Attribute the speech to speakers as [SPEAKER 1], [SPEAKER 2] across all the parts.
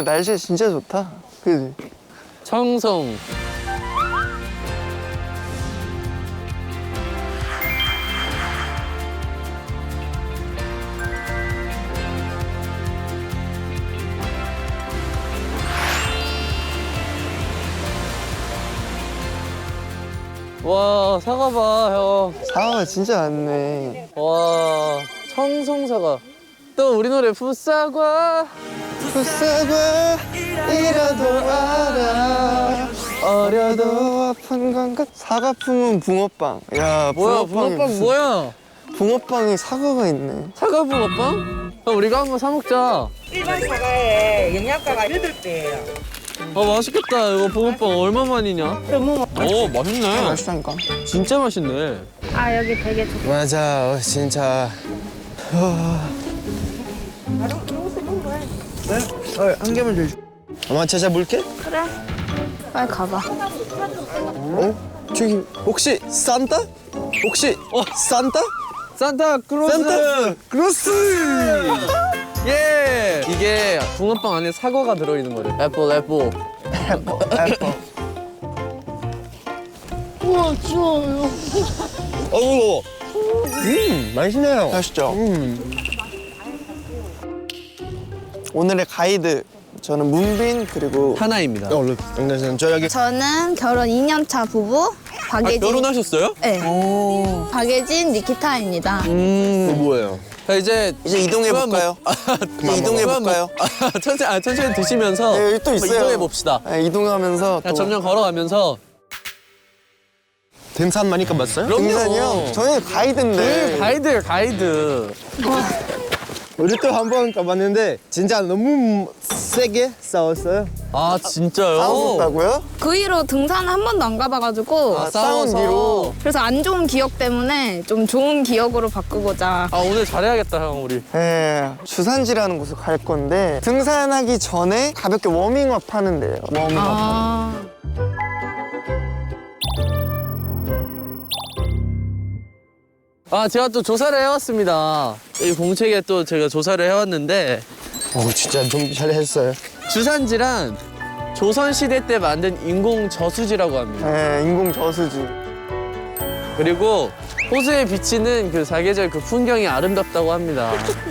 [SPEAKER 1] 날씨 진짜 좋다. 그지?
[SPEAKER 2] 청송. 와, 사과 봐, 형.
[SPEAKER 1] 사과가 진짜 많네.
[SPEAKER 2] 와, 청송사과. 또 우리 노래 풋사과.
[SPEAKER 1] 풋사과이라도 알아. 어려도 아픈 건가? 사과 품은 붕어빵. 야,
[SPEAKER 2] 뭐야,
[SPEAKER 1] 붕어빵이
[SPEAKER 2] 붕어빵
[SPEAKER 1] 무슨-
[SPEAKER 2] 뭐야?
[SPEAKER 1] 붕어빵에 사과가 있네.
[SPEAKER 2] 사과 붕어빵? 형, 우리가 한번 사 먹자.
[SPEAKER 3] 일반 사과에 영양가가 8배예요.
[SPEAKER 2] 맛있겠다. 이거 붕어빵 얼마만이냐? 오, 맛있네.
[SPEAKER 1] 맛있다니까.
[SPEAKER 2] 진짜 맛있네.
[SPEAKER 4] 아 여기 되게 좋다.
[SPEAKER 1] 맞아, 진짜. 한 개만 줘. 엄마 찾아볼게.
[SPEAKER 4] 그래. 빨리 가봐.
[SPEAKER 1] 저기 혹시 산타? 혹시 산타?
[SPEAKER 2] 산타크로스.
[SPEAKER 1] 산타크로스.
[SPEAKER 2] 예. 이게 붕어빵 안에 사과가 들어있는 거래. 애플.
[SPEAKER 1] 애플.
[SPEAKER 2] 우와, 좋아요.
[SPEAKER 1] 어우, 맛있네요. 맛있죠. 오늘의 가이드 저는 문빈 그리고
[SPEAKER 2] 하나입니다.
[SPEAKER 1] 저 여기
[SPEAKER 4] 저는 결혼 2년차 부부 박예진.
[SPEAKER 2] 결혼하셨어요?
[SPEAKER 4] 네. 박예진 니키타입니다.
[SPEAKER 1] 뭐예요?
[SPEAKER 2] 자, 이제
[SPEAKER 1] 이동해 볼까요? 이동해 볼까요?
[SPEAKER 2] 천천히 드시면서
[SPEAKER 1] 네, 여기 또 있어요.
[SPEAKER 2] 이동해 봅시다.
[SPEAKER 1] 네, 이동하면서
[SPEAKER 2] 자,
[SPEAKER 1] 또
[SPEAKER 2] 점점 걸어가면서.
[SPEAKER 1] 등산 많이 가봤어요?
[SPEAKER 2] 그럼요.
[SPEAKER 1] 등산이요? 저는 가이드인데.
[SPEAKER 2] 가이드예요, 가이드.
[SPEAKER 5] 우리 또 한 번 가봤는데 진짜 너무 세게 싸웠어요.
[SPEAKER 2] 아, 진짜요?
[SPEAKER 1] 싸웠다고요?
[SPEAKER 4] 그 이후로 등산 한 번도 안 가봐가지고
[SPEAKER 2] 아,
[SPEAKER 1] 싸운
[SPEAKER 2] 싸워서.
[SPEAKER 1] 뒤로.
[SPEAKER 4] 그래서 안 좋은 기억 때문에 좀 좋은 기억으로 바꾸고자.
[SPEAKER 2] 아, 오늘 잘해야겠다, 형, 우리.
[SPEAKER 1] 네, 주산지라는 곳을 갈 건데 등산하기 전에 가볍게 워밍업 하는 데예요. 워밍업.
[SPEAKER 4] 아.
[SPEAKER 2] 아, 제가 또 조사를 해왔습니다. 이 공책에 또 제가 조사를 해왔는데
[SPEAKER 5] 진짜 좀 잘했어요.
[SPEAKER 2] 주산지란 조선시대 때 만든 인공 저수지라고 합니다.
[SPEAKER 1] 네, 인공 저수지.
[SPEAKER 2] 그리고 호수에 비치는 그 사계절 그 풍경이 아름답다고 합니다.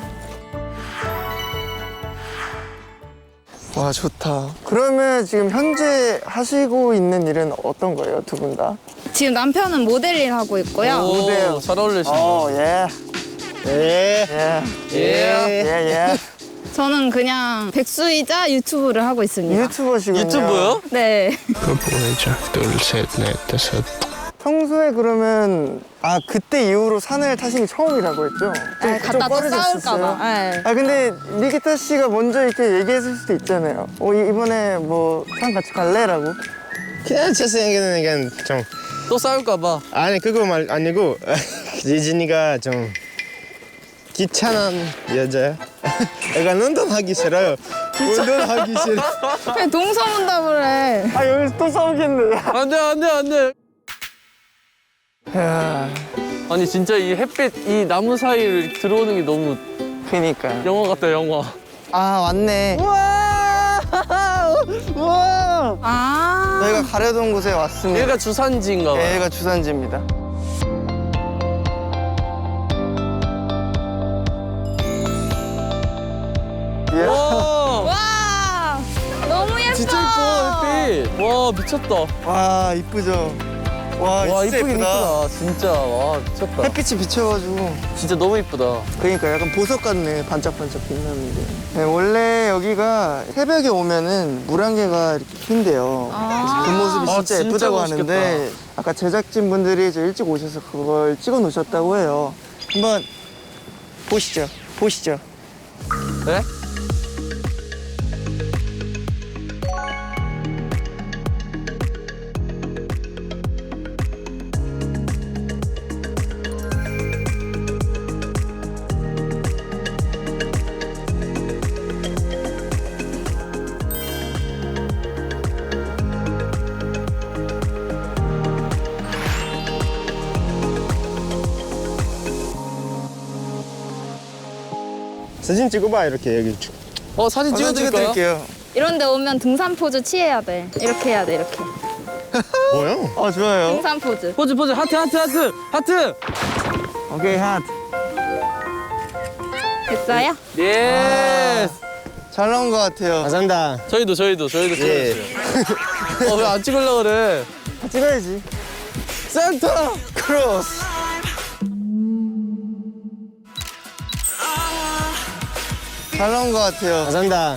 [SPEAKER 1] 와, 좋다. 그러면 지금 현재 하시고 있는 일은 어떤 거예요, 두 분 다?
[SPEAKER 4] 지금 남편은 모델 일 하고 있고요.
[SPEAKER 2] 오, 잘 어울리시네요.
[SPEAKER 1] 예.
[SPEAKER 5] 예.
[SPEAKER 1] 예.
[SPEAKER 2] 예.
[SPEAKER 1] 예.
[SPEAKER 4] 저는 그냥 백수이자 유튜브를 하고 있습니다.
[SPEAKER 1] 유튜버시군요.
[SPEAKER 2] 유튜브요?
[SPEAKER 4] 네.
[SPEAKER 5] 둘, 셋, 넷, 다섯.
[SPEAKER 1] 평소에 그러면 그때 이후로 산을 타신 게 처음이라고 했죠?
[SPEAKER 4] 네, 갔다 또 싸울까봐. 네.
[SPEAKER 1] 근데 니키타 씨가 먼저 이렇게 얘기했을 수도 있잖아요. 이번에 뭐 산 같이 갈래라고?
[SPEAKER 5] 그냥 제 생각에는 그냥 좀
[SPEAKER 2] 또 싸울까봐.
[SPEAKER 5] 아니 그거 말 아니고 예진이가 좀 귀찮은 여자야. 약간 운동하기 싫어요. 운동하기 싫어.
[SPEAKER 4] 그냥 동서문답을 해.
[SPEAKER 1] 여기서 또 싸우겠네.
[SPEAKER 2] 안 돼, 안 돼, 안 돼.
[SPEAKER 1] 야,
[SPEAKER 2] 아니, 진짜 이 햇빛, 이 나무 사이를 들어오는 게 너무
[SPEAKER 1] 그니까요.
[SPEAKER 2] 영화 같다, 영화.
[SPEAKER 1] 왔네.
[SPEAKER 2] 우와!
[SPEAKER 4] 아.
[SPEAKER 1] 저희가 가려던 곳에 왔습니다.
[SPEAKER 2] 얘가 주산지인가 봐요.
[SPEAKER 1] 여기가 주산지입니다.
[SPEAKER 2] 와!
[SPEAKER 4] 와. 너무 예뻐.
[SPEAKER 2] 진짜 이뻐, 햇빛. 와, 미쳤다.
[SPEAKER 1] 와, 이쁘죠? 와,
[SPEAKER 2] 와,
[SPEAKER 1] 진짜
[SPEAKER 2] 이쁘긴
[SPEAKER 1] 이쁘다.
[SPEAKER 2] 이쁘다. 진짜. 와, 미쳤다.
[SPEAKER 1] 햇빛이 비쳐가지고.
[SPEAKER 2] 진짜 너무 이쁘다.
[SPEAKER 1] 그러니까 약간 보석 같네. 반짝반짝 빛나는데. 네, 원래 여기가 새벽에 오면은 물안개가 이렇게 핀대요. 그래서 그 모습이
[SPEAKER 2] 아,
[SPEAKER 1] 진짜
[SPEAKER 2] 진짜
[SPEAKER 1] 예쁘다고
[SPEAKER 2] 멋있겠다.
[SPEAKER 1] 하는데 아까 제작진분들이 저 일찍 오셔서 그걸 찍어 놓으셨다고 해요. 한번 보시죠. 보시죠.
[SPEAKER 2] 네?
[SPEAKER 5] 사진 찍어봐 이렇게 여기.
[SPEAKER 2] 사진 찍어드릴까요?
[SPEAKER 1] 찍어드릴게요.
[SPEAKER 4] 이런 데 오면 등산 포즈 취해야 돼. 이렇게 해야 돼, 이렇게.
[SPEAKER 5] 뭐야?
[SPEAKER 1] 좋아요.
[SPEAKER 4] 등산 포즈.
[SPEAKER 2] 포즈 포즈 하트 하트 하트 하트.
[SPEAKER 1] 오케이, 핫.
[SPEAKER 4] 됐어요?
[SPEAKER 2] 예스.
[SPEAKER 1] 잘 나온 것 같아요.
[SPEAKER 5] 감사합니다.
[SPEAKER 2] 저희도
[SPEAKER 5] 예.
[SPEAKER 2] 찍었어요. 왜 안 찍으려고 그래?
[SPEAKER 1] 찍어야지.
[SPEAKER 2] 산타
[SPEAKER 1] 크로스. 잘 나온 것 같아요.
[SPEAKER 5] 감사합니다.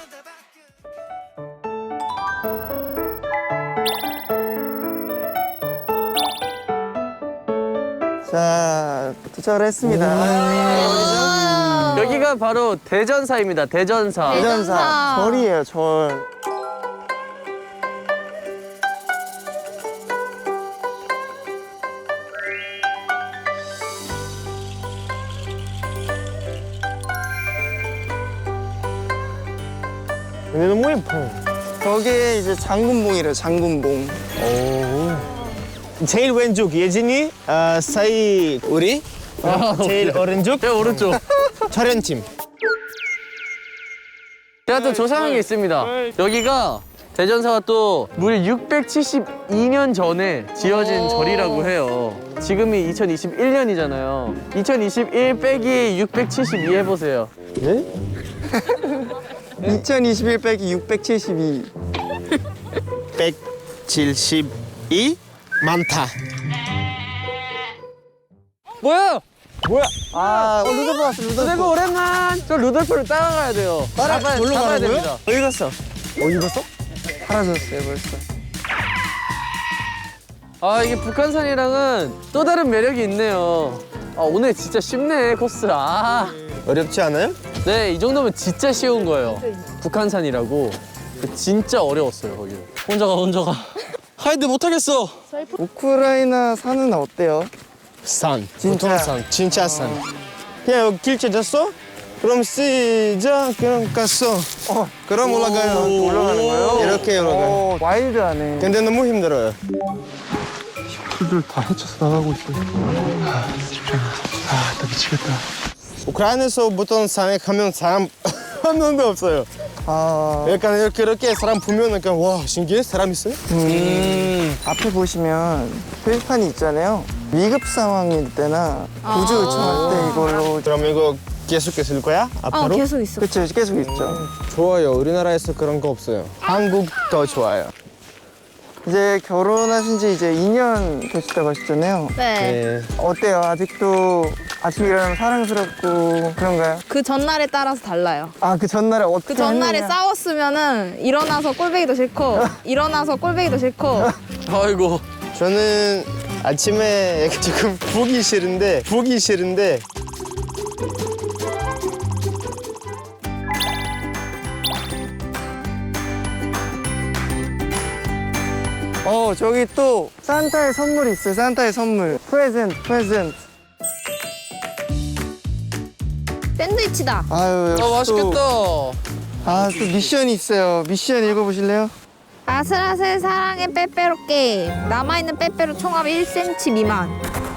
[SPEAKER 1] 자, 도착을 했습니다.
[SPEAKER 2] 여기가 바로 대전사입니다. 대전사.
[SPEAKER 1] 대전사. 절이에요, 절.
[SPEAKER 5] 근데 너무 예뻐.
[SPEAKER 1] 저게 이제 장군봉이래요, 장군봉.
[SPEAKER 5] 제일 왼쪽 예진이, 사이 우리, 제일 오른쪽
[SPEAKER 2] 제가 오른쪽.
[SPEAKER 5] 촬영팀.
[SPEAKER 2] 제가 또 조사한 게 있습니다. 여기가 대전사가 또 무려 672년 전에 지어진 절이라고 해요. 지금이 2021년이잖아요. 2021 빼기 672 해보세요.
[SPEAKER 5] 네?
[SPEAKER 1] 2021 빼기 672.
[SPEAKER 5] 172 많다.
[SPEAKER 2] 뭐야?
[SPEAKER 1] 루돌프 왔어, 루돌프.
[SPEAKER 2] 루돌프 오랜만. 저 루돌프를 따라가야 돼요.
[SPEAKER 1] 놀러
[SPEAKER 2] 잡아야
[SPEAKER 1] 가는
[SPEAKER 2] 됩니다. 어디 갔어?
[SPEAKER 1] 어디 갔어? 사라졌어요, 벌써.
[SPEAKER 2] 아 이게 북한산이랑은 또 다른 매력이 있네요. 아 오늘 진짜 쉽네 코스.
[SPEAKER 5] 어렵지 않아요?
[SPEAKER 2] 네, 이 정도면 진짜 쉬운 거예요. 북한산이라고. 진짜 어려웠어요, 거기. 혼자 가. 하이드 못하겠어.
[SPEAKER 1] 우크라이나 산은 어때요?
[SPEAKER 5] 산.
[SPEAKER 1] 진짜.
[SPEAKER 5] 보통 산. 진짜 산. 그냥 여기 길 찾았어? 그럼 시작. 그럼 갔어. 그럼 올라가요.
[SPEAKER 1] 올라가는 거예요?
[SPEAKER 5] 이렇게 올라가요.
[SPEAKER 1] 와일드하네.
[SPEAKER 5] 근데 너무 힘들어요. 우크라이나에서 보통 산에 가면 사람 한 명도 없어요. 약간 이렇게 사람 보면 약간 와 신기해 사람 있어요?
[SPEAKER 1] 앞에 보시면 표지판이 있잖아요. 위급 상황일 때나 구조 요청할 때 이걸로.
[SPEAKER 5] 그럼 이거 계속 쓸 거야? 앞으로?
[SPEAKER 4] 계속 있어.
[SPEAKER 1] 그쵸, 계속 있죠.
[SPEAKER 5] 좋아요. 우리나라에서 그런 거 없어요. 한국 더 좋아요.
[SPEAKER 1] 이제 결혼하신 지 이제 2년 되셨다고 하셨잖아요.
[SPEAKER 4] 네.
[SPEAKER 1] 어때요? 아직도 아침 일어나면 사랑스럽고 그런가요?
[SPEAKER 4] 그 전날에 따라서 달라요.
[SPEAKER 1] 그 전날에 어떻게
[SPEAKER 4] 그 전날에
[SPEAKER 1] 했느냐?
[SPEAKER 4] 싸웠으면은 일어나서 꼴배기도 싫고 일어나서 꼴배기도 싫고
[SPEAKER 2] 아이고.
[SPEAKER 5] 저는 아침에 조금 보기 싫은데
[SPEAKER 1] 저기 또 산타의 선물이 있어요. 산타의 선물. 프레젠트.
[SPEAKER 4] 샌드위치다.
[SPEAKER 1] 아유, 역시
[SPEAKER 2] 맛있겠다.
[SPEAKER 1] 또 미션이 있어요. 미션 읽어보실래요?
[SPEAKER 4] 아슬아슬 사랑의 빼빼로 게임. 남아있는 빼빼로 총합 1cm 미만.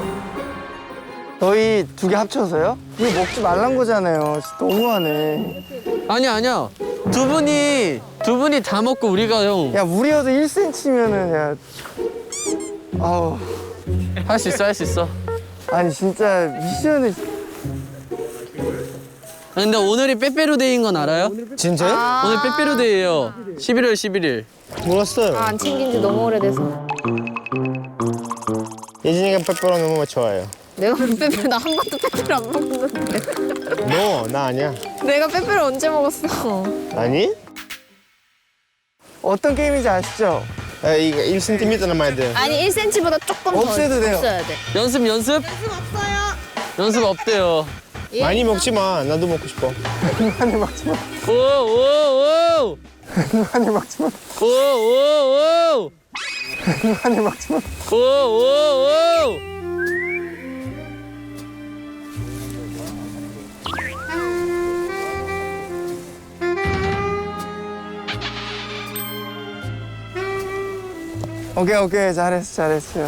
[SPEAKER 1] 저희 두 개 합쳐서요? 이거 먹지 말란 거잖아요. 진짜 너무하네.
[SPEAKER 2] 아니야. 두 분이 다 먹고 우리가 형.
[SPEAKER 1] 야, 무리여도 1cm면은, 야. 아우.
[SPEAKER 2] 할 수 있어.
[SPEAKER 1] 아니, 진짜 미션을.
[SPEAKER 2] 근데 오늘이 빼빼로데이인 건 알아요?
[SPEAKER 5] 진짜요?
[SPEAKER 2] 오늘 빼빼로데이예요. 11월 11일.
[SPEAKER 5] 몰랐어요.
[SPEAKER 4] 안 챙긴 지 너무 오래돼서.
[SPEAKER 5] 예진이가 빼빼로 너무 좋아해요.
[SPEAKER 4] 내가 빼빼로 나 한 번도 빼빼로 안 먹었는데.
[SPEAKER 5] 너, 나 아니야.
[SPEAKER 4] 내가 빼빼로 언제 먹었어?
[SPEAKER 5] 아니?
[SPEAKER 1] 어떤 게임인지 아시죠?
[SPEAKER 5] 이거 1cm 남아야 돼요.
[SPEAKER 4] 아니 1cm보다 조금 더
[SPEAKER 1] 없애도 돼요.
[SPEAKER 4] 없어야 돼.
[SPEAKER 2] 연습. 연습 없대요.
[SPEAKER 5] 많이 먹지 마. 나도 먹고 싶어.
[SPEAKER 1] 많이 먹지 마.
[SPEAKER 2] 오.
[SPEAKER 1] 많이 먹지 마.
[SPEAKER 2] 오.
[SPEAKER 1] 많이 먹지 마.
[SPEAKER 2] 오.
[SPEAKER 1] 오케이. 잘했어요.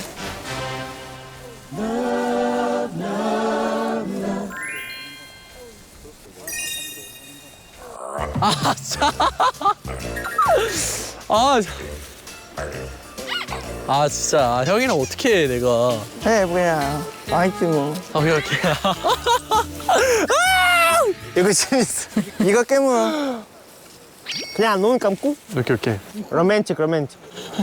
[SPEAKER 2] 아, 자. 아, 아, 진짜. 아, 형이랑 어떻게 해, 내가.
[SPEAKER 1] 해 뭐야. 아이티 뭐.
[SPEAKER 2] 오케이, 오케이.
[SPEAKER 1] 이거 재밌어. 이거 깨물어.
[SPEAKER 5] 그냥 눈 감고
[SPEAKER 2] 오케이, 오케이.
[SPEAKER 5] 로맨틱 로맨틱.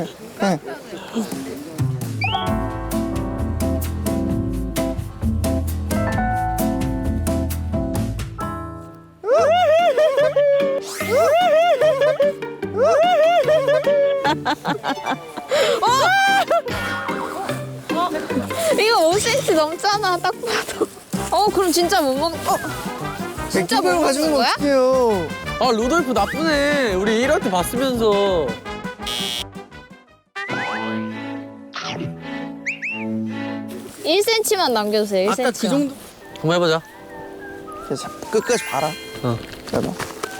[SPEAKER 4] 이거 5cm 넘잖아, 딱 봐도. 그럼 진짜 못 먹. 진짜 못
[SPEAKER 1] 맥주병
[SPEAKER 4] 먹는
[SPEAKER 1] 가지고
[SPEAKER 4] 거야?
[SPEAKER 1] 어떡해요.
[SPEAKER 2] 아, 루돌프 나쁘네. 우리 1화 때 봤으면서.
[SPEAKER 4] 1cm만 남겨주세요. 1cm.
[SPEAKER 2] 아까 그 정도. 한번 해보자.
[SPEAKER 1] 그래서 끝까지 봐라.
[SPEAKER 2] 어.
[SPEAKER 1] 봐봐.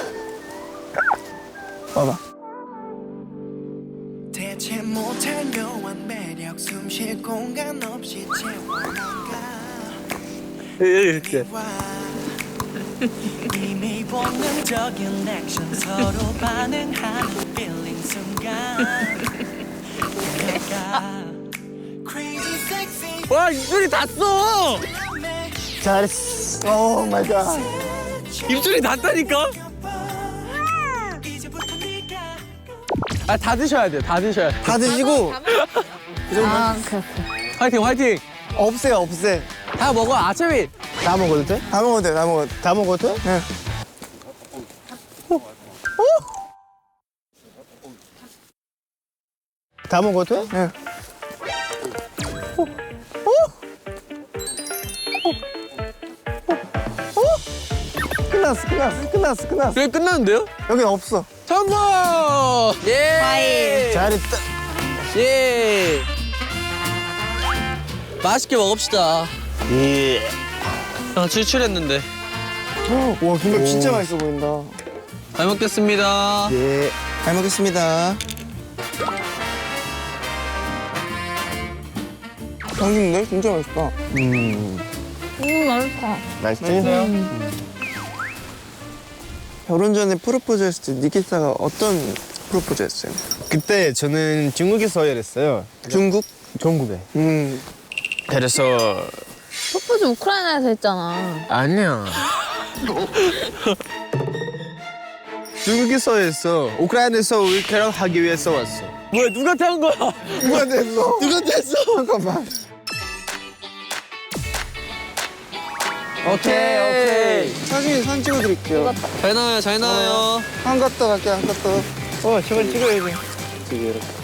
[SPEAKER 1] 봐봐.
[SPEAKER 6] 대체 못한 묘한 매력 숨쉴 공간 없이 채워나가
[SPEAKER 2] 이렇게.
[SPEAKER 6] 이미 본능적인 액션 서로 반응하는 feeling 순간 내가 crazy sexy
[SPEAKER 2] 와, 입술이 닿았어!
[SPEAKER 1] 잘했어. 오 마이 갓.
[SPEAKER 2] 입술이 닿다니까?
[SPEAKER 6] 이제부터 네가
[SPEAKER 2] 아, 다 드셔야 돼요. 다 드셔야 돼.
[SPEAKER 1] 다 드시고
[SPEAKER 4] 그래.
[SPEAKER 2] 화이팅, 화이팅!
[SPEAKER 1] 없애요 없애.
[SPEAKER 2] 다 먹어, 아차비!
[SPEAKER 5] 다 먹어도 돼?
[SPEAKER 1] 다 먹어도 돼. 다 먹어도 돼.
[SPEAKER 5] 다 먹어도 돼?
[SPEAKER 1] 네.
[SPEAKER 5] 다 먹어도 돼?
[SPEAKER 1] 네. 끝났어.
[SPEAKER 2] 그게 끝났는데요?
[SPEAKER 1] 여긴 없어.
[SPEAKER 2] 성공! 예!
[SPEAKER 5] 잘했다.
[SPEAKER 2] 예! 맛있게 먹읍시다.
[SPEAKER 5] 예.
[SPEAKER 2] 형, 출출했는데.
[SPEAKER 1] 와 김밥 진짜 맛있어 보인다.
[SPEAKER 2] 잘 먹겠습니다.
[SPEAKER 5] 예.
[SPEAKER 1] 잘 먹겠습니다. 당신들 진짜 맛있다.
[SPEAKER 4] 맛있다.
[SPEAKER 5] 맛있지?
[SPEAKER 1] 결혼 전에 프로포즈 했을 때 니키타가 어떤 프로포즈 했어요?
[SPEAKER 5] 그때 저는 중국에서 일했어요.
[SPEAKER 1] 중국?
[SPEAKER 5] 중국에. 그래서
[SPEAKER 4] 프로포즈 우크라이나에서 했잖아.
[SPEAKER 5] 아니야. 중국에서 했어. 우크라이나에서 우리 결혼하기 위해서 왔어.
[SPEAKER 2] 뭐야, 누구한테 한 거야?
[SPEAKER 1] 누가 됐어?
[SPEAKER 2] 누구한테 했어?
[SPEAKER 1] 잠깐만.
[SPEAKER 2] 오케이.
[SPEAKER 1] 사진 찍어드릴게요.
[SPEAKER 2] 잘 나와요, 잘 나와요.
[SPEAKER 1] 한 컷 더 갈게요, 한 컷 더.
[SPEAKER 5] 저걸 찍어야지.
[SPEAKER 1] 이렇게.